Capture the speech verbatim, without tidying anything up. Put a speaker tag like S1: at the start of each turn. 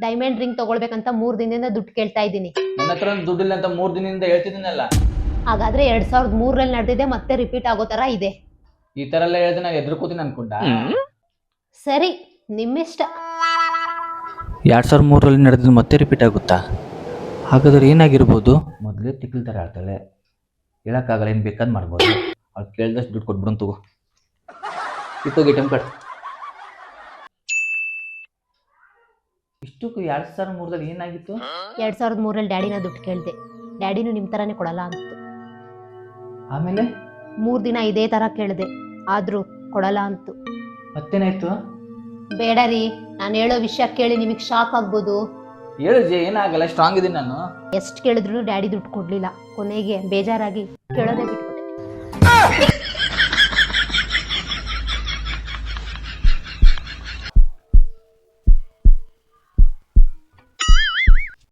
S1: Diamond ring ತಗೊಳ್ಬೇಕಂತ ಮೂರ್ ದಿನದಿಂದ ದುಡ್ಡು ಕೇಳ್ತಾ ಇದ್ದೀನಿ.
S2: ನನ್ನ ಹತ್ರ ದುಡ್ಡಿಲ್ಲ ಅಂತ ಮೂರ್ ದಿನದಿಂದ ಹೇಳ್ತಿದ್ದೀನಲ್ಲ.
S1: ಹಾಗಾದ್ರೆ ಎರಡ್ ಸಾವಿರದ ಮೂರಲ್ಲಿ ನಡೆದಿದೆ ಮತ್ತೆ ರಿಪೀಟ್ ಆಗೋ ತರ ಇದೆ.
S2: ಈ ತರ ಎಲ್ಲ ಹೇಳಿದ್ರೆ ನಾನು ಎದುರು ಕೂತೀನಿ ಅನ್ಕೊಂಡ.
S1: ಸರಿ ನಿಮ್ಮಿಷ್ಟ.
S3: ಎರಡು ಸಾವಿರದ ಮೂರರಲ್ಲಿ ನಡೆದಿದ್ದು ಮತ್ತೆ ರಿಪೀಟ್ ಆಗುತ್ತಾ? ಹಾಗಾದ್ರೆ ಏನಾಗಿರ್ಬೋದು? ಮೊದಲೇ ತಿಕ್ಕಲ್ ಥರ ಆಡ್ತಾಳೆ, ಹೇಳೋಕ್ಕಾಗಲ್ಲ, ಏನು ಬೇಕಾದ್ ಮಾಡ್ಬೋದು. ಅವ್ಳು ಕೇಳಿದಷ್ಟು ದುಡ್ಡು ಕೊಟ್ಬಿಡೋನ್ ತಗೋ. ಇತ್ತೋಗಿ ಟೈಮ್ ಕಟ್. ಇಷ್ಟಕ್ಕೂ ಎರಡು ಸಾವಿರದ ಮೂರರಲ್ಲಿ ಏನಾಗಿತ್ತು?
S1: ಎರಡ್ ಸಾವಿರದ ಮೂರಲ್ಲಿ ಡ್ಯಾಡಿನ ದುಡ್ಡು ಕೇಳಿದೆ. ಡ್ಯಾಡಿನೂ ನಿಮ್ ತರಾನೇ ಕೊಡಲ್ಲ ಅಂತು.
S3: ಆಮೇಲೆ
S1: ಮೂರ್ ದಿನ ಇದೇ ತರ ಕೇಳಿದೆ, ಆದ್ರೂ ಕೊಡಲ್ಲ ಅಂತು.
S3: ಮತ್ತೇನಾಯ್ತು?
S1: ಬೇಡ ರೀ, ನಾನು ಹೇಳೋ ವಿಷಯ ಕೇಳಿ ನಿಮಗ್ ಶಾಕ್ ಆಗ್ಬೋದು.
S2: ಹೇಳು ಜೆ, ಏನಾಗಲ್ಲ, ಸ್ಟ್ರಾಂಗ್ ಇದೀನಿ ನಾನು.
S1: ಎಷ್ಟು ಕೇಳಿದ್ರು ಡ್ಯಾಡಿ ದುಡ್ಡು ಕೊಡ್ಲಿಲ್ಲ. ಕೊನೆಗೆ ಬೇಜಾರಾಗಿ ಕೇಳೋದೇ ಬಿಟ್ಟು